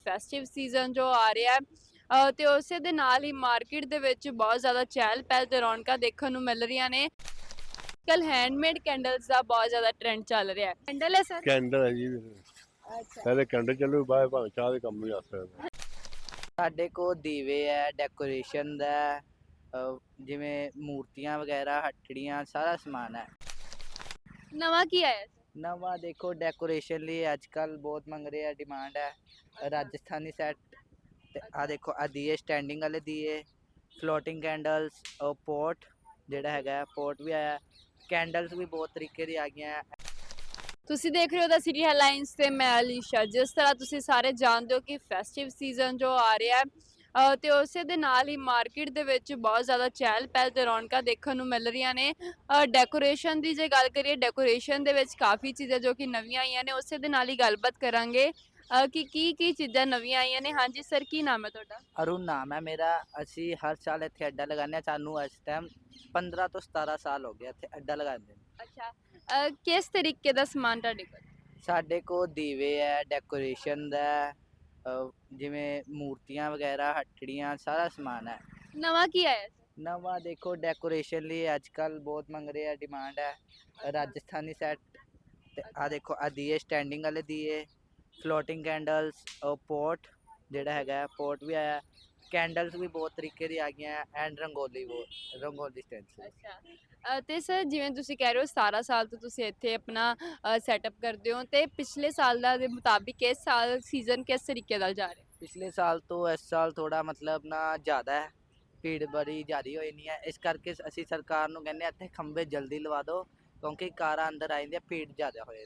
Festive season ਜੋ ਆ ਰਿਹਾ ਹੈ ਤੇ ਉਸੇ ਦੇ ਨਾਲ ਹੀ ਮਾਰਕੀਟ ਦੇ ਵਿੱਚ ਬਹੁਤ ਜ਼ਿਆਦਾ ਚਹਿਲ ਪਹਿਲ ਤੇ ਰੌਣਕਾਂ ਦੇਖਣ ਨੂੰ ਮਿਲ ਰਹੀਆਂ ਨੇ। ਕੱਲ ਹੈਂਡਮੇਡ ਕੈਂਡਲਸ ਦਾ ਬਹੁਤ ਜ਼ਿਆਦਾ ਟ੍ਰੈਂਡ ਚੱਲ ਰਿਹਾ ਹੈ। ਕੈਂਡਲ ਹੈ ਸਰ? ਕੈਂਡਲ ਹੈ ਜੀ। ਅੱਛਾ। ਪਹਿਲੇ ਕੈਂਡਲ ਚੱਲੂ, ਬਾਅਦ ਭਾਵੇਂ ਚਾਹ ਦੇ ਕੰਮ ਵੀ ਆ ਸਕਦਾ। ਸਾਡੇ ਕੋਲ ਦੀਵੇ ਹੈ, ਡੈਕੋਰੇਸ਼ਨ ਦਾ ਹੈ, ਜਿਵੇਂ ਮੂਰਤੀਆਂ ਵਗੈਰਾ, ਹੱਟੜੀਆਂ, ਸਾਰਾ ਸਮਾਨ ਹੈ। ਨਵਾਂ ਕੀ ਆਇਆ ਸਰ? ਨਵਾਂ ਦੇਖੋ ਡੈਕੋਰੇਸ਼ਨ ਲਈ ਅੱਜ ਕੱਲ ਬਹੁਤ ਮੰਗ ਰਹੇ ਆ, ਡਿਮਾਂਡ ਹੈ ਰਾਜਸਥਾਨੀ ਸੈੱਟ। ਤੇ ਆ ਦੇਖੋ ਆ ਦੀਏ, ਸਟੈਂਡਿੰਗ ਵਾਲੇ ਦੀਏ, ਫਲੋਟਿੰਗ ਕੈਂਡਲਸ, ਪੋਟ ਜਿਹੜਾ ਹੈਗਾ ਪੋਟ ਵੀ ਆਇਆ, ਕੈਂਡਲਸ ਵੀ ਬਹੁਤ ਤਰੀਕੇ ਦੀ ਆ ਗਈਆਂ। ਤੁਸੀਂ ਦੇਖ ਰਹੇ ਹੋ ਦਾ ਸਿਟੀ ਹੈਡਲਾਈਨਸ ਤੇ ਮੈਂ ਅਲੀਸ਼ਾ। ਜਿਸ ਤਰ੍ਹਾਂ ਤੁਸੀਂ ਸਾਰੇ ਜਾਣਦੇ ਹੋ ਕਿ ਫੈਸਟਿਵ ਸੀਜ਼ਨ ਜੋ ਆ ਰਿਹਾ ਹੈ ਤੇ ਉਸੇ ਦੇ ਨਾਲ ਹੀ ਮਾਰਕੀਟ ਦੇ ਵਿੱਚ ਬਹੁਤ ਜ਼ਿਆਦਾ ਚਹਿਲ ਪਹਿਲ ਤੇ ਰੌਣਕਾਂ ਦੇਖਣ ਨੂੰ ਮਿਲ ਰਹੀਆਂ ਨੇ। ਡੈਕੋਰੇਸ਼ਨ ਦੀ ਜੇ ਗੱਲ ਕਰੀਏ, ਡੈਕੋਰੇਸ਼ਨ ਦੇ ਵਿੱਚ ਕਾਫੀ ਚੀਜ਼ਾਂ ਜੋ ਕਿ ਨਵੀਆਂ ਆਈਆਂ ਨੇ, ਉਸੇ ਦੇ ਨਾਲ ਹੀ ਗੱਲਬਾਤ ਕਰਾਂਗੇ ਕਿ ਕੀ ਚੀਜ਼ਾਂ ਨਵੀਆਂ ਆਈਆਂ ਨੇ। ਹਾਂਜੀ ਸਰ, ਕੀ ਨਾਮ ਹੈ ਤੁਹਾਡਾ? ਅਰੁਣ ਨਾਮ ਹੈ ਮੇਰਾ। ਅਸੀਂ ਹਰ ਸਾਲ ਇੱਥੇ ਅੱਡਾ ਲਗਾਉਂਦੇ ਹਾਂ। ਸਾਨੂੰ ਇਸ ਟਾਈਮ 15 ਤੋਂ 17 ਸਾਲ ਹੋ ਗਏ ਇੱਥੇ ਅੱਡਾ ਲਗਾਉਂਦੇ ਨੇ। ਅੱਛਾ, ਕਿਸ ਤਰੀਕੇ ਦਾ ਸਮਾਨ ਤੁਹਾਡੇ ਕੋਲ? ਸਾਡੇ ਕੋਲ ਦੀਵੇ ਹੈ, ਡੈਕੋਰੇਸ਼ਨ ਦਾ ਹੈ, ਜਿਵੇਂ ਮੂਰਤੀਆਂ ਵਗੈਰਾ, ਹੱਟੜੀਆਂ, ਸਾਰਾ ਸਮਾਨ ਹੈ। ਨਵਾਂ ਕੀ ਆਇਆ ਸਰ? ਨਵਾਂ ਦੇਖੋ ਡੈਕੋਰੇਸ਼ਨ ਲਈ ਅੱਜ ਕੱਲ ਬਹੁਤ ਮੰਗ ਰਹੇ ਆ, ਡਿਮਾਂਡ ਹੈ ਰਾਜਸਥਾਨੀ ਸੈੱਟ। ਤੇ ਆ ਦੇਖੋ ਆ ਦੀਏ, ਸਟੈਂਡਿੰਗ ਵਾਲੇ ਦੀਏ, ਫਲੋਟਿੰਗ ਕੈਂਡਲਸ, ਪੋਟ ਜਿਹੜਾ ਹੈਗਾ ਪੋਟ ਵੀ ਆਇਆ, ਕੈਂਡਲਸ ਵੀ ਬਹੁਤ ਤਰੀਕੇ ਦੀ ਆ ਗਈਆਂ, ਐਂਡ ਰੰਗੋਲੀ ਸਟੈਂਡ। ਅੱਛਾ, ਤੇ ਸਰ ਜਿਵੇਂ ਤੁਸੀਂ ਕਹਿ ਰਹੇ ਹੋ 17 ਸਾਲ ਤੋਂ ਤੁਸੀਂ ਇੱਥੇ ਆਪਣਾ ਸੈਟਅਪ ਕਰਦੇ ਹੋ, ਤੇ ਪਿਛਲੇ ਸਾਲ ਦਾ ਦੇ ਮੁਤਾਬਿਕ ਇਸ ਸਾਲ ਸੀਜ਼ਨ ਕਿਸ ਤਰੀਕੇ ਨਾਲ ਜਾ ਰਿਹਾ? ਪਿਛਲੇ ਸਾਲ ਤੋਂ ਇਸ ਸਾਲ ਥੋੜਾ ਮਤਲਬ ਨਾ ਜ਼ਿਆਦਾ ਹੈ, ਭੀੜ ਬੜੀ ਜ਼ਿਆਦਾ ਹੋਈ ਨਹੀਂ ਹੈ। ਇਸ ਕਰਕੇ ਅਸੀਂ ਸਰਕਾਰ ਨੂੰ ਕਹਿੰਦੇ ਹਾਂ ਇੱਥੇ ਖੰਭੇ ਜਲਦੀ ਲਵਾ ਦਿਓ, ਕਿਉਂਕਿ ਕਾਰਾਂ ਅੰਦਰ ਆ ਜਾਂਦੀਆਂ, ਭੀੜ ਜ਼ਿਆਦਾ ਹੋ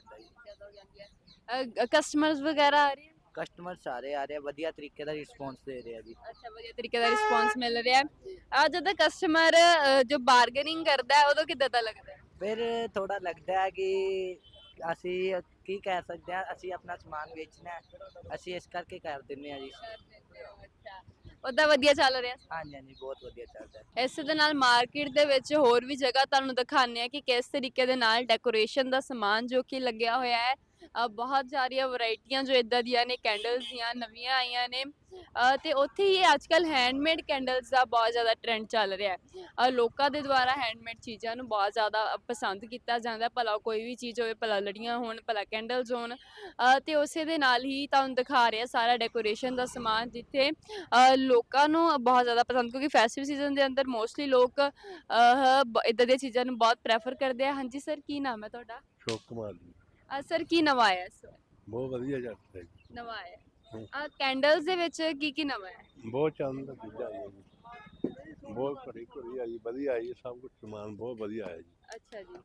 ਜਾਂਦਾ ਜੀ। ਕਸਟਮਰਸ ਵਗੈਰਾ ਆ ਰਹੇ? ਕਸਟਮਰ ਸਾਰੇ ਆ ਰਹੇ ਆ, ਵਧੀਆ ਤਰੀਕੇ ਦਾ ਰਿਸਪੌਂਸ ਦੇ ਰਹੇ ਆ ਜੀ। ਅੱਛਾ, ਵਧੀਆ ਤਰੀਕੇ ਦਾ ਰਿਸਪੌਂਸ ਮਿਲ ਰਿਹਾ ਹੈ। ਜਦੋਂ ਕਸਟਮਰ ਜੋ ਬਾਰਗੇਨਿੰਗ ਕਰਦਾ ਹੈ ਉਦੋਂ ਕਿੱਦਾਂ ਦਾ ਲੱਗਦਾ ਹੈ? ਫਿਰ ਥੋੜਾ ਲੱਗਦਾ ਹੈ ਕਿ ਅਸੀਂ ਕੀ ਕਹਿ ਸਕਦੇ ਹਾਂ, ਅਸੀਂ ਆਪਣਾ ਸਮਾਨ ਵੇਚਣਾ ਹੈ, ਅਸੀਂ ਇਸ ਕਰਕੇ ਕਰ ਦਿੰਦੇ ਹਾਂ ਜੀ। ਅੱਛਾ, ਉਹਦਾ ਵਧੀਆ ਚੱਲ ਰਿਹਾ? ਹਾਂਜੀ ਹਾਂਜੀ, ਬਹੁਤ ਵਧੀਆ ਚੱਲਦਾ ਹੈ। ਇਸੇ ਦੇ ਨਾਲ ਮਾਰਕੀਟ ਦੇ ਵਿੱਚ ਹੋਰ ਵੀ ਜਗ੍ਹਾ ਤੁਹਾਨੂੰ ਦਿਖਾਉਂਦੇ ਆ ਕਿ ਕਿਸ ਤਰੀਕੇ ਦੇ ਨਾਲ ਡੈਕੋਰੇਸ਼ਨ ਦਾ ਸਮਾਨ ਜੋ ਕਿ ਲੱਗਿਆ ਹੋਇਆ ਹੈ। ਬਹੁਤ ਸਾਰੀਆਂ ਵੈਰਾਈਟੀਆਂ ਜੋ ਇਦਾਂ ਦੀਆਂ ਨੇ, ਕੈਂਡਲਸ ਦੀਆਂ ਨਵੀਆਂ ਆਈਆਂ ਨੇ। ਤੇ ਉੱਥੇ ਹੀ ਅੱਜ ਕੱਲ ਹੈਂਡਮੇਡ ਕੈਂਡਲਸ ਦਾ ਬਹੁਤ ਜ਼ਿਆਦਾ ਟ੍ਰੈਂਡ ਚੱਲ ਰਿਹਾ ਹੈ। ਲੋਕਾਂ ਦੇ ਦੁਆਰਾ ਹੈਂਡਮੇਡ ਚੀਜ਼ਾਂ ਨੂੰ ਬਹੁਤ ਜ਼ਿਆਦਾ ਪਸੰਦ ਕੀਤਾ ਜਾਂਦਾ, ਭਲਾ ਕੋਈ ਵੀ ਚੀਜ਼ ਹੋਵੇ, ਭਲਾ ਲੜੀਆਂ ਹੋਣ, ਭਲਾ ਕੈਂਡਲਸ ਹੋਣ। ਤੇ ਉਸੇ ਦੇ ਨਾਲ ਹੀ ਤੁਹਾਨੂੰ ਦਿਖਾ ਰਿਹਾ ਸਾਰਾ ਡੈਕੋਰੇਸ਼ਨ ਦਾ ਸਮਾਨ, ਜਿੱਥੇ ਲੋਕਾਂ ਨੂੰ ਬਹੁਤ ਜ਼ਿਆਦਾ ਪਸੰਦ, ਕਿਉਂਕਿ ਫੈਸਟਿਵ ਸੀਜ਼ਨ ਦੇ ਅੰਦਰ ਮੋਸਟਲੀ ਲੋਕ ਇਦਾਂ ਦੀਆਂ ਚੀਜ਼ਾਂ ਨੂੰ ਬਹੁਤ ਪ੍ਰੈਫਰ ਕਰਦੇ ਆ। ਹਾਂਜੀ ਸਰ, ਕੀ ਨਾਮ ਹੈ ਤੁਹਾਡਾ? ਸ਼ੋਕ ਕੁਮਾਰ ਜੀ। ਸਰ, ਕੀ ਨਵਾਂ ਆਇਆ ਇਸ ਵਾਰ? ਬਹੁਤ ਵਧੀਆ ਚੱਲਦਾ ਜੀ। ਨਵਾਂ ਆਇਆ ਕੈਂਡਲਸ ਦੇ ਵਿੱਚ ਕੀ ਨਵਾਂ ਹੈ? ਬਹੁਤ ਚੰਦ ਚੀਜ਼ਾਂ ਆਈਆਂ ਜੀ, ਬਹੁਤ ਭਰੀ ਭਰੀ ਆਈ, ਵਧੀਆ ਆਈ, ਸਭ ਕੁਝ ਸਮਾਨ ਬਹੁਤ ਵਧੀਆ ਆਇਆ ਜੀ। ਅੱਛਾ ਜੀ,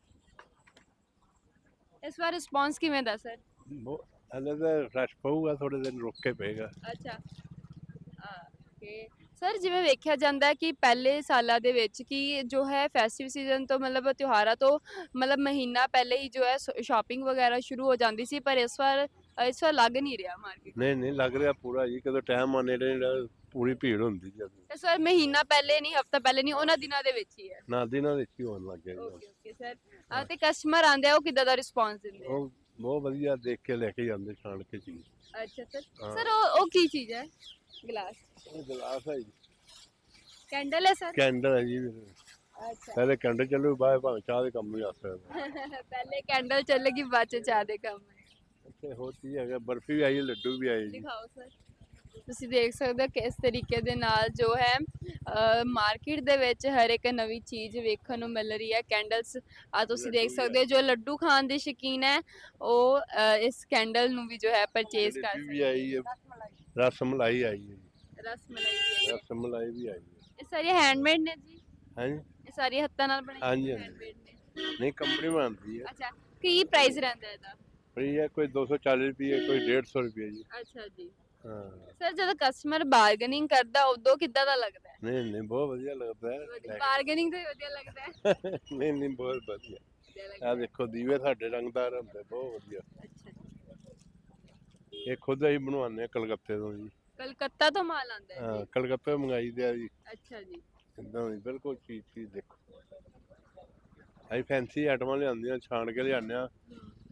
ਇਸ ਵਾਰ ਰਿਸਪੌਂਸ ਕਿਵੇਂ ਦਾ ਸਰ? ਬਹੁਤ ਹਲੇ ਤਾਂ ਰਸ਼ ਪਊਗਾ, ਥੋੜੇ ਦਿਨ ਰੁਕ ਕੇ ਪਏਗਾ। ਅੱਛਾ, ਓਕੇ ਸਰ, ਜਿਵੇਂ ਵੇਖਿਆ ਜਾਂਦਾ ਹੈ ਕਿ ਪਹਿਲੇ ਸਾਲਾਂ ਦੇ ਵਿੱਚ ਕਿ ਜੋ ਹੈ ਫੈਸਟਿਵ ਸੀਜ਼ਨ ਤੋਂ ਮਤਲਬ ਤਿਉਹਾਰਾਂ ਤੋਂ ਮਤਲਬ ਮਹੀਨਾ ਪਹਿਲੇ ਹੀ ਜੋ ਹੈ ਸ਼ਾਪਿੰਗ ਵਗੈਰਾ ਸ਼ੁਰੂ ਹੋ ਜਾਂਦੀ ਸੀ, ਪਰ ਇਸ ਵਾਰ ਲੱਗ ਨਹੀਂ ਰਿਹਾ ਮਾਰਕੀਟ। ਨਹੀਂ ਨਹੀਂ, ਲੱਗ ਰਿਹਾ ਪੂਰਾ ਜੀ। ਕਦੋਂ ਟਾਈਮ ਆਨੇ ਨੇ ਪੂਰੀ ਭੀੜ ਹੁੰਦੀ ਜੀ। ਇਸ ਵਾਰ ਮਹੀਨਾ ਪਹਿਲੇ ਨਹੀਂ, ਹਫਤਾ ਪਹਿਲੇ ਨਹੀਂ, ਉਹਨਾਂ ਦਿਨਾਂ ਦੇ ਵਿੱਚ ਹੀ ਹੈ। ਨਾ ਦਿਨਾਂ ਵਿੱਚ ਹੀ ਹੋਣ ਲੱਗ ਗਿਆ ਜੀ। ਓਕੇ ਸਰ, ਤੇ ਕਸਟਮਰ ਆਉਂਦੇ ਆ ਉਹ ਕਿੱਦਾਂ ਦਾ ਰਿਸਪੌਂਸ ਦਿੰਦੇ ਆ? ਉਹ ਬਹੁਤ ਵਧੀਆ ਦੇਖ ਕੇ ਲੈ ਕੇ ਜਾਂਦੇ, ਛਾਣ ਕੇ ਚੀਜ਼। ਅੱਛਾ ਸਰ, ਉਹ ਕੀ ਚੀਜ਼ ਹੈ? ਗਲਾਸ? ਇਹ ਗਲਾਸ ਹੈ ਜੀ। ਕੈਂਡਲ ਹੈ ਸਰ? ਕੈਂਡਲ ਹੈ ਜੀ। ਅੱਛਾ। ਪਹਿਲੇ ਕੈਂਡਲ ਚੱਲੂ, ਬਾਅਦ ਭਾਵੇਂ ਚਾਹ ਦੇ ਕੰਮ ਵੀ ਆ ਸਕਦਾ। ਪਹਿਲੇ ਕੈਂਡਲ ਚੱਲੇਗੀ, ਬਾਅਦ ਚ ਚਾਹ ਦੇ ਕੰਮ ਹੈ। ਇੱਥੇ ਹੋਰ ਕੀ ਹੈਗਾ, ਬਰਫੀ ਵੀ ਆਈ, ਲੱਡੂ ਵੀ ਆਏ ਜੀ। ਦਿਖਾਓ ਸਰ। ਤੁਸੀਂ ਦੇਖ ਸਕਦੇ ਹੋ ਕਿਸ ਤਰੀਕੇ ਦੇ ਨਾਲ ਜੋ ਹੈ ਮਾਰਕੀਟ ਦੇ ਵਿੱਚ ਹਰ ਇੱਕ ਨਵੀਂ ਚੀਜ਼ ਵੇਖਣ ਨੂੰ ਮਿਲ ਰਹੀ ਹੈ। ਕੈਂਡਲਸ ਤੁਸੀਂ ਦੇਖ ਸਕਦੇ ਹੋ, ਜੋ ਲੱਡੂ ਖਾਣ ਦੇ ਸ਼ੌਕੀਨ ਹੈ ਉਹ ਇਸ ਕੈਂਡਲ ਨੂੰ ਵੀ ਜੋ ਹੈ ਪਰਚੇਜ਼ ਕਰ ਜਲੇਬੀ ਵੀ ਸਕਦੇ। ਆਈ ਹੈ, ਰਸ ਮਲਾਈ ਆਈ ਹੈ ਜੀ। ਰਸ ਮਲਾਈ ਰਸ ਮਲਾਈ ਵੀ ਆਈ ਹੈ। ਇਹ ਸਾਰੀਆਂ ਹੈਂਡਮੇਡ ਨੇ ਜੀ? ਹਾਂਜੀ ਇਹ ਸਾਰੀਆਂ ਹੱਥਾਂ ਨਾਲ ਬਣਾਈਆਂ ਹਾਂਜੀ ਹੈਂਡਮੇਡ ਨੇ? ਨਹੀਂ, ਕੰਪਨੀ ਬਣਾਉਂਦੀ ਹੈ। ਅੱਛਾ, ਕੀ ਪ੍ਰਾਈਸ ਰਹਿੰਦਾ ਇਹਦਾ? ਫਰੀ ਹੈ, ਕੋਈ 240 ਰੁਪਏ, ਕੋਈ 150 ਰੁਪਏ ਜੀ। ਅੱਛਾ ਜੀ। ਹਾਂ, ਸਰ, ਜਦੋਂ ਕਸਟਮਰ ਬਾਰਗੇਨਿੰਗ ਕਰਦਾ ਉਦੋਂ ਕਿੱਦਾਂ ਦਾ ਲੱਗਦਾ ਹੈ? ਨਹੀਂ ਨਹੀਂ, ਬਹੁਤ ਵਧੀਆ ਲੱਗਦਾ ਹੈ। ਬਾਰਗੇਨਿੰਗ ਤੋਂ ਹੀ ਵਧੀਆ ਲੱਗਦਾ ਹੈ? ਨਹੀਂ ਨਹੀਂ, ਬਹੁਤ ਵਧੀਆ। ਵਧੀਆ ਲੱਗਦਾ ਆ ਦੇਖੋ ਦੀਵੇ ਸਾਡੇ ਰੰਗਦਾਰ ਹੁੰਦੇ, ਬਹੁਤ ਵਧੀਆ। ਅੱਛਾ ਜੀ। ਇਹ ਖੁਦ ਅਸੀਂ ਬਣਵਾਉਂਦੇ ਹਾਂ ਕਲਕੱਤੇ ਤੋਂ ਜੀ। ਕਲਕੱਤਾ ਤੋਂ ਮਾਲ ਆਉਂਦਾ ਹੈ ਹਾਂ, ਜੀ? ਕਲਕੱਤੇ ਮੰਗਾਈ ਦੇ ਆ ਜੀ। ਅੱਛਾ ਜੀ। ਇੱਦਾਂ ਦੀ ਬਿਲਕੁਲ ਚੀਜ਼ ਦੇਖੋ। ਅਸੀਂ ਫੈਂਸੀ ਆਈਟਮਾਂ ਲਿਆਉਂਦੇ ਹਾਂ, ਛਾਣ ਕੇ ਲਿਆਉਂਦੇ ਹਾਂ,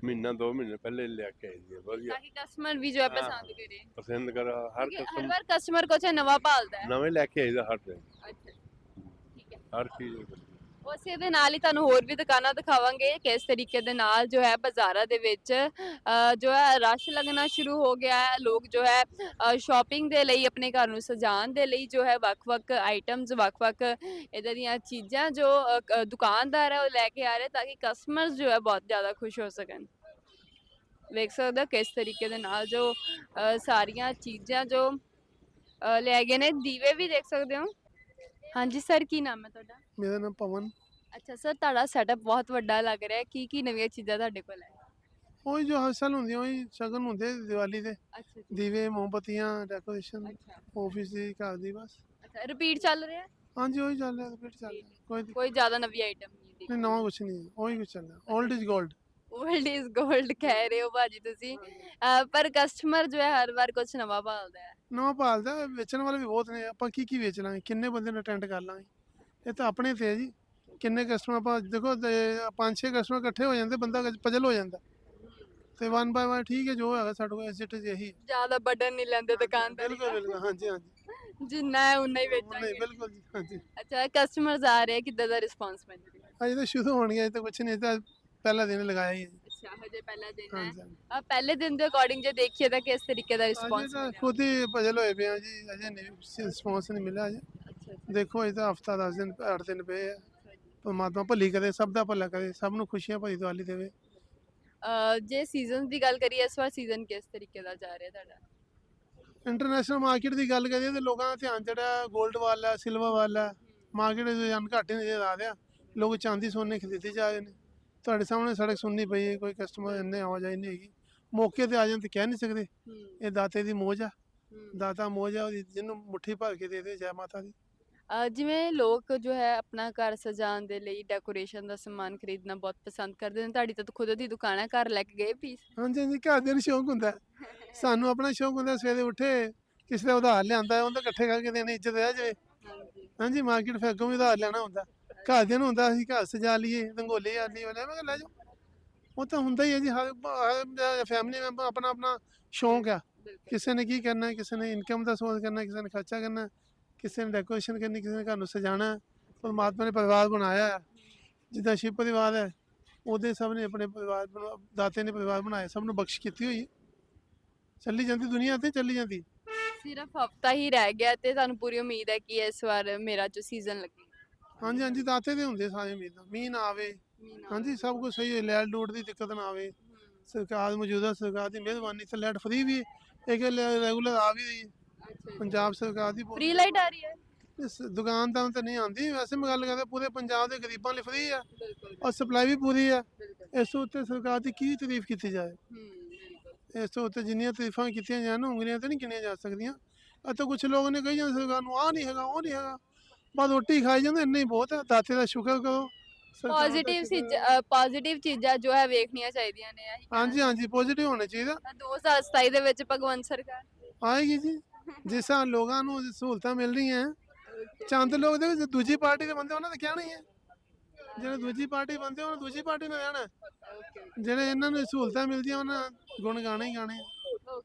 ਮਹੀਨਾ 2 ਮਹੀਨੇ ਪਹਿਲੇ ਲੈ ਕੇ ਆਈ ਦੀ ਹੈ, ਵਧੀਆ ताकि कस्टमर भी जो है हाँ, पसंद करे ਪਸੰਦ ਕਰ ਹਰ क्योंकि हर ਕਿਸਮ बार कस्टमर कुछ नवा भालदा है ਨਵੇਂ ਲੈ ਕੇ ਆਈਦਾ ਹਰ ਦਿਨ अच्छा ठीक है ਹਰ ਚੀਜ਼ ਵਧੀਆ। ਉਸੇ ਦੇ ਨਾਲ ਹੀ ਤੁਹਾਨੂੰ ਹੋਰ ਵੀ ਦੁਕਾਨਾਂ ਦਿਖਾਵਾਂਗੇ ਕਿਸ ਤਰੀਕੇ ਦੇ ਨਾਲ ਜੋ ਹੈ ਬਾਜ਼ਾਰਾਂ ਦੇ ਵਿੱਚ ਜੋ ਹੈ ਰਸ਼ ਲੱਗਣਾ ਸ਼ੁਰੂ ਹੋ ਗਿਆ ਹੈ ਲੋਕ ਜੋ ਹੈ ਸ਼ਾਪਿੰਗ ਦੇ ਲਈ ਆਪਣੇ ਘਰ ਨੂੰ ਸਜਾਉਣ ਦੇ ਲਈ ਜੋ ਹੈ ਵੱਖ-ਵੱਖ ਆਈਟਮਸ ਵੱਖ-ਵੱਖ ਇਦਾਂ ਦੀਆਂ ਚੀਜ਼ਾਂ ਜੋ ਦੁਕਾਨਦਾਰ ਹੈ ਉਹ ਲੈ ਕੇ ਆ ਰਹੇ ਤਾਂ ਕਿ ਕਸਟਮਰਸ ਜੋ ਹੈ ਬਹੁਤ ਜ਼ਿਆਦਾ ਖੁਸ਼ ਹੋ ਸਕਣ ਵੇਖ ਸਕਦੇ ਹੋ ਕਿਸ ਤਰੀਕੇ ਦੇ ਨਾਲ ਜੋ ਸਾਰੀਆਂ ਚੀਜ਼ਾਂ ਜੋ ਲੈ ਗਏ ਨੇ ਦੀਵੇ ਵੀ ਦੇਖ ਸਕਦੇ ਹੋ ਹਾਂਜੀ ਸਰ ਕੀ ਨਾਮ ਹੈ ਤੁਹਾਡਾ ਮੇਰਾ ਨਾਮ ਪਵਨ ਅੱਛਾ ਸਰ ਤੁਹਾਡਾ ਸੈਟਅਪ ਬਹੁਤ ਵੱਡਾ ਲੱਗ ਰਿਹਾ ਹੈ ਕੀ ਨਵੀਆਂ ਚੀਜ਼ਾਂ ਤੁਹਾਡੇ ਕੋਲ ਹੈ ਉਹੀ ਜੋ ਹਰ ਸਾਲ ਹੁੰਦੀਆਂ ਉਹੀ ਸ਼ਗਨ ਹੁੰਦੇ ਦੀਵਾਲੀ ਦੇ ਅੱਛਾ ਦੀਵੇ ਮੋਮਬੱਤੀਆਂ ਡੈਕੋਰੇਸ਼ਨ ਅੱਛਾ ਆਫਿਸ ਦੀ ਘਰ ਦੀ ਬਸ ਅੱਛਾ ਰਿਪੀਟ ਚੱਲ ਰਿਹਾ ਹੈ ਹਾਂਜੀ ਉਹੀ ਚੱਲ ਰਿਹਾ ਰਿਪੀਟ ਚੱਲ ਰਿਹਾ ਕੋਈ ਕੋਈ ਜ਼ਿਆਦਾ ਨਵੀਂ ਆਈਟਮ ਨਹੀਂ ਨਹੀਂ ਨਵਾਂ ਕੁਛ ਨਹੀਂ ਹੈ ਉਹੀ ਕੁਛ ਚੱਲ ਰਿਹਾ 올ਡ ਇਜ਼ 골ਡ 올ਡ ਇਜ਼ 골ਡ ਕਹਿ ਰਹੇ ਹੋ ਭਾਜੀ ਤੁਸੀਂ ਪਰ ਕਸਟਮਰ ਜੋ ਹੈ ਹਰ ਵਾਰ ਕੁਝ ਨਵਾਂ ਭਾਲਦਾ ਹੈ ਨਵਾਂ ਭਾਲਦਾ ਵੇਚਣ ਵਾਲੇ ਵੀ ਬਹੁਤ ਨੇ ਆਪਾਂ ਕੀ ਵੇਚ ਲਾਂਗੇ ਕਿੰਨੇ ਬੰਦੇ ਨੂੰ ਅਟੈਂਡ ਕਰ ਲਾਂਗੇ ਇਹ ਤਾਂ ਆਪਣੇ ਤੇ ਹੈ ਜੀ ਕਿੰਨੇ ਕਸਟਮਰ ਆਪਾਂ ਦੇਖੋ 5-6 ਕਸਟਮਰ ਇਕੱਠੇ ਹੋ ਜਾਂਦੇ ਬੰਦਾ ਪਜਲ ਹੋ ਜਾਂਦਾ ਤੇ 1 ਬਾਏ 1 ਠੀਕ ਹੈ ਜੋ ਹੈਗਾ ਸਾਡੇ ਕੋਲ ਐਸਿਟ ਇਹੀ ਹੈ। ਜ਼ਿਆਦਾ ਬਟਨ ਨਹੀਂ ਲੈਂਦੇ ਦੁਕਾਨਦਾਰ ਬਿਲਕੁਲ ਬਿਲਕੁਲ ਹਾਂਜੀ ਹਾਂਜੀ ਜਿੰਨਾ ਹੈ ਉਨਾ ਹੀ ਨਹੀਂ ਵੇਚਾਂਗੇ ਬਿਲਕੁਲ ਜੀ ਹਾਂਜੀ ਅੱਛਾ ਕਸਟਮਰਸ ਆ ਰਹੇ ਕਿੱਦਾਂ ਦਾ ਰਿਸਪੌਂਸ ਮਿਲ ਰਿਹਾ ਅਜੇ ਤਾਂ ਸ਼ੁਰੂ ਹੋਣੀ ਹੈ ਅਜੇ ਤਾਂ ਕੁਛ ਨਹੀਂ ਅਜੇ ਤਾਂ ਪਹਿਲਾ ਦਿਨ ਲਗਾਇਆ ਹੀ ਹੈ ਜੀ। ਅੱਛਾ ਹਜੇ ਪਹਿਲਾ ਦਿਨ ਹੈ ਹਾਂਜੀ ਹਾਂਜੀ ਪਹਿਲੇ ਦਿਨ ਦੇ ਅਕੋਰਡਿੰਗ ਜੇ ਦੇਖੀਏ ਤਾਂ ਕਿਸ ਤਰੀਕੇ ਦਾ ਅਜੇ ਰਿਸਪੌਂਸ ਤਾਂ ਖੁਦ ਹੀ ਪਜਲ ਹੋਏ ਪਏ ਆ ਜੀ ਅਜੇ ਨਹੀਂ ਰਿਸਪੌਂਸ ਨਹੀਂ ਮਿਲਿਆ ਅਜੇ ਅੱਛਾ ਦੇਖੋ ਅਜੇ ਤਾਂ ਹਫਤਾ 10 ਦਿਨ 8 ਦਿਨ ਪਏ ਆ ਪਰਮਾਤਮਾ ਭਲੀ ਕਰੇ ਸਭ ਦਾ ਭਲਾ ਕਰੇ ਸਭ ਨੂੰ ਖੁਸ਼ੀਆਂ ਭਰੀ ਦੀਵਾਲੀ ਦੇਵੇ ਜੇ ਸੀਜ਼ਨਸ ਦੀ ਗੱਲ ਕਰੀਏ ਇਸ ਵਾਰ ਸੀਜ਼ਨ ਕਿਸ ਤਰੀਕੇ ਦਾ ਜਾ ਰਿਹਾ ਤੁਹਾਡਾ ਇੰਟਰਨੈਸ਼ਨਲ ਮਾਰਕੀਟ ਦੀ ਗੱਲ ਕਰੀਏ ਤੇ ਲੋਕਾਂ ਦਾ ਧਿਆਨ ਜਿਹੜਾ 골ਡ ਵੱਲ ਹੈ ਸਿਲਵਰ ਵੱਲ ਹੈ ਮਾਰਕੀਟ ਦੇ ਰੁਝਾਨ ਘੱਟ ਹੀ ਨਜ਼ਰ ਆ ਰਿਹਾ ਲੋਕ ਚਾਂਦੀ ਸੋਨੇ ਖਰੀਦੇ ਜਾ ਰਹੇ ਨੇ ਤੁਹਾਡੇ ਸਾਹਮਣੇ ਸੜਕ ਸੁਣਨੀ ਪਈ ਹੈ ਕੋਈ ਕਸਟਮਰ ਇੰਨੇ ਆਵਾਜਾਈ ਨਹੀਂ ਹੈਗੀ ਮੌਕੇ ਤੇ ਆ ਜਾਣ ਤੇ ਕਹਿ ਨਹੀਂ ਸਕਦੇ ਇਹ ਦਾਤੇ ਦੀ ਮੋਜ ਆ ਦਾਤਾ ਮੋਜ ਆ ਉਹਦੀ ਜਿਹਨੂੰ ਮੁੱਠੀ ਭਰ ਕੇ ਦੇ ਦੇ ਜੈ ਮਾਤਾ ਦੀ ਜਿਵੇਂ ਲੋਕ ਜੋ ਹੈ ਆਪਣਾ ਘਰ ਸਜਾਉਣ ਦੇ ਲਈ ਡੈਕੋਰੇਸ਼ਨ ਦਾ ਸਮਾਨ ਖਰੀਦਣਾ ਬਹੁਤ ਪਸੰਦ ਕਰਦੇ ਨੇ ਤੁਹਾਡੀ ਤਾਂ ਖੁਦ ਦੀ ਦੁਕਾਨ ਹੈ ਘਰ ਲੈ ਕੇ ਗਏ ਪੀਸ ਹਾਂਜੀ ਹਾਂਜੀ ਘਰਦਿਆਂ ਨੂੰ ਸ਼ੌਂਕ ਹੁੰਦਾ ਹੈ। ਸਾਨੂੰ ਆਪਣਾ ਸ਼ੌਂਕ ਹੁੰਦਾ ਸਵੇਰੇ ਉੱਠੇ ਕਿਸੇ ਦਾ ਉਧਾਰ ਲਿਆਂਦਾ ਉਹਦਾ ਇਕੱਠੇ ਕਰਕੇ ਦੇਣੀ ਇੱਜ਼ਤ ਰਹਿ ਜਾਵੇ ਹਾਂਜੀ ਹਾਂਜੀ ਮਾਰਕੀਟ ਫਿਰ ਅੱਗੋਂ ਵੀ ਉਧਾਰ ਲੈਣਾ ਹੁੰਦਾ ਘਰਦਿਆਂ ਨੂੰ ਹੁੰਦਾ ਅਸੀਂ ਘਰ ਸਜਾ ਲਈਏ ਰੰਗੋਲੀ ਆਲੀ ਵਾਲੇ ਮੈਂ ਕਿਹਾ ਲੈ ਜਾਓ ਉਹ ਤਾਂ ਹੁੰਦਾ ਹੀ ਹੈ ਜੀ ਹਰ ਫੈਮਿਲੀ ਮੈਂਬਰ ਆਪਣਾ ਆਪਣਾ ਸ਼ੌਂਕ ਆ ਬਿਲਕੁਲ ਕਿਸੇ ਨੇ ਕੀ ਕਰਨਾ ਕਿਸੇ ਨੇ ਇਨਕਮ ਦਾ ਸੋਰਸ ਕਰਨਾ ਕਿਸੇ ਨੇ ਖਰਚਾ ਕਰਨਾ ਕਿਸੇ ਨੇ ਡੈਕੋਰੇਸ਼ਨ ਕਰਨੀ ਕਿਸੇ ਨੇ ਘਰ ਨੂੰ ਸਜਾਉਣਾ ਪਰਮਾਤਮਾ ਨੇ ਪਰਿਵਾਰ ਬਣਾਇਆ ਹੈ ਜਿੱਦਾਂ ਸ਼ਿਵ ਪਰਿਵਾਰ ਹੈ ਉਹਦੇ ਸਭ ਨੇ ਆਪਣੇ ਪਰਿਵਾਰ ਦਾਤੇ ਨੇ ਪਰਿਵਾਰ ਬਣਾਇਆ ਸਭ ਨੂੰ ਬਖਸ਼ ਕੀਤੀ ਹੋਈ ਹੈ ਚੱਲੀ ਜਾਂਦੀ ਦੁਨੀਆ ਤੇ ਚੱਲੀ ਜਾਂਦੀ ਸਿਰਫ ਹਫਤਾ ਹੀ ਰਹਿ ਗਿਆ ਤੇ ਤੁਹਾਨੂੰ ਪੂਰੀ ਉਮੀਦ ਹੈ ਕਿ ਇਸ ਵਾਰ ਮੇਰਾ ਜੋ ਸੀਜ਼ਨ ਲੱਗੇ ਹਾਂਜੀ ਹਾਂਜੀ ਦਾਤੇ ਦੇ ਹੁੰਦੇ ਸਾਰੇ ਉਮੀਦਾਂ ਮੀਂਹ ਨਾ ਆਵੇ ਹਾਂਜੀ ਸਭ ਕੁਝ ਸਹੀ ਹੋਏ ਲੈਟ ਲੂਟ ਦੀ ਦਿੱਕਤ ਨਾ ਆਵੇ ਸਰਕਾਰ ਮੌਜੂਦਾ ਸਰਕਾਰ ਦੀ ਮਿਹਰਬਾਨੀ ਤੇ ਲੈਟ ਫ੍ਰੀ ਵੀ ਹੈ ਇੱਕ ਰੈਗੂਲਰ ਆ ਵੀ ਰਹੀ ਹੈ ਪੰਜਾਬ ਸਰਕਾਰ ਦੀ ਬਹੁਤ ਫ੍ਰੀ ਲਾਈਟ ਆ ਰਹੀ ਹੈ ਇਸ ਦੁਕਾਨਦਾਰਾਂ ਤੇ ਨਹੀਂ ਆਉਂਦੀ ਵੈਸੇ ਮੈਂ ਗੱਲ ਕਰਦਾ ਪੂਰੇ ਪੰਜਾਬ ਦੇ ਗਰੀਬਾਂ ਲਈ ਫ੍ਰੀ ਆ ਬਿਲਕੁਲ ਔਰ ਸਪਲਾਈ ਵੀ ਪੂਰੀ ਆ ਬਿਲਕੁਲ ਇਸ ਤੋਂ ਉੱਤੇ ਸਰਕਾਰ ਦੀ ਕੀ ਤਾਰੀਫ ਕੀਤੀ ਜਾਏ ਬਿਲਕੁਲ ਇਸ ਤੋਂ ਉੱਤੇ ਜਿੰਨੀਆਂ ਤਾਰੀਫਾਂ ਕੀਤੀਆਂ ਜਾਣ ਉਂਗਲੀਆਂ ਤੇ ਨਹੀਂ ਗਿਣੀਆਂ ਜਾ ਸਕਦੀਆਂ ਅਤੇ ਕੁਝ ਲੋਕ ਨੇ ਕਹੀ ਜਾਂਦੇ ਸਰਕਾਰ ਨੂੰ ਆਹ ਨਹੀਂ ਹੈਗਾ ਉਹ ਨਹੀਂ ਹੈਗਾ ਬਸ ਰੋਟੀ ਖਾਈ ਜਾਂਦੇ ਇੰਨਾ ਹੀ ਬਹੁਤ ਹੈ ਦਾਤੇ ਦਾ ਸ਼ੁਕਰ ਕਰੋ ਸਰਕਾਰ ਦਾ ਪੋਜ਼ਿਟਿਵ ਸ਼ੁਕਰ ਹੈ। ਪੋਜ਼ਿਟਿਵ ਚੀਜ਼ਾਂ ਜੋ ਹੈ ਵੇਖਣੀਆਂ ਚਾਹੀਦੀਆਂ ਨੇ ਇਹੀ ਕਹਿਣਾ ਹਾਂਜੀ ਹਾਂਜੀ ਪੋਜ਼ਿਟਿਵ ਹੋਣਾ ਚਾਹੀਦਾ ਤਾਂ 2027 ਦੇ ਵਿੱਚ ਭਗਵੰਤ ਸਰਕਾਰ ਆਏਗੀ ਜੀ ਜਿਸ ਤਰ੍ਹਾਂ ਲੋਕਾਂ ਨੂੰ ਸਹੂਲਤਾਂ ਮਿਲ ਰਹੀਆਂ ਚੰਦ ਲੋਕ ਦੇ ਵਿੱਚ ਦੂਜੀ ਪਾਰਟੀ ਦੇ ਬੰਦੇ ਉਹਨਾਂ ਦਾ ਕਹਿਣਾ ਹੀ ਹੈ ਜਿਹੜੇ ਦੂਜੀ ਪਾਰਟੀ ਬੰਦੇ ਉਹਨਾਂ ਦੂਜੀ ਪਾਰਟੀ ਨਾਲ ਰਹਿਣਾ ਜਿਹੜੇ ਇਹਨਾਂ ਨੂੰ ਸਹੂਲਤਾਂ ਮਿਲਦੀਆਂ ਉਹਨਾਂ ਗੁਣ ਗਾਣੇ ਹੀ ਗਾਣੇ ਆ।